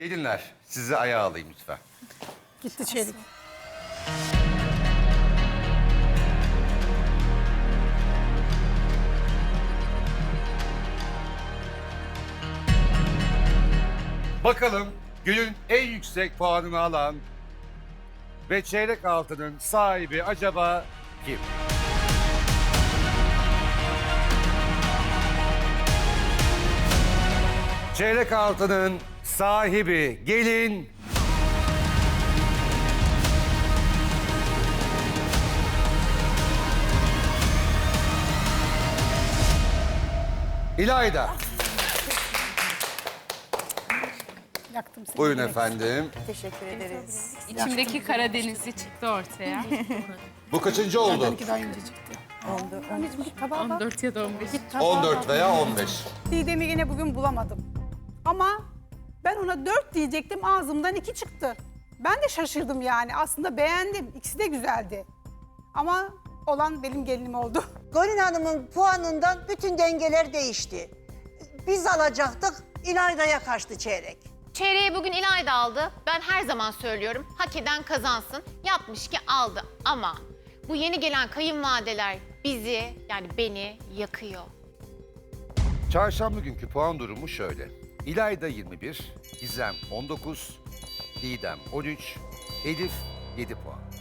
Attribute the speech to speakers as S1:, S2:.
S1: Gelinler, sizi ayağa alayım lütfen.
S2: Gitti çeyrek.
S1: Bakalım günün en yüksek puanını alan ve çeyrek altının sahibi acaba kim? Çeyrek altının sahibi gelin... İlayda.
S2: Yaktım seni.
S1: Buyurun efendim.
S3: Teşekkür ederiz.
S4: İçimdeki Karadenizli çıktı ortaya.
S1: Bu kaçıncı oldu?
S2: Benimki daha önce çıktı.
S3: Oldu.
S2: Anneciğim git tabağa bak.
S4: 14 ya da 15.
S1: 14 veya 15.
S2: Didem'i yine bugün bulamadım. Ama ben ona 4 diyecektim, ağzımdan 2 çıktı. Ben de şaşırdım yani. Aslında beğendim. İkisi de güzeldi. Ama olan benim gelinim oldu.
S5: Golin Hanım'ın puanından bütün dengeler değişti. Biz alacaktık, İlayda'ya kaçtı çeyrek.
S6: Çeyreği bugün İlayda aldı. Ben her zaman söylüyorum, hak eden kazansın. Yapmış ki aldı ama bu yeni gelen kayınvalideler bizi, yani beni yakıyor.
S1: Çarşamba günkü puan durumu şöyle. İlayda 21, Gizem 19, Didem 13, Elif 7 puan.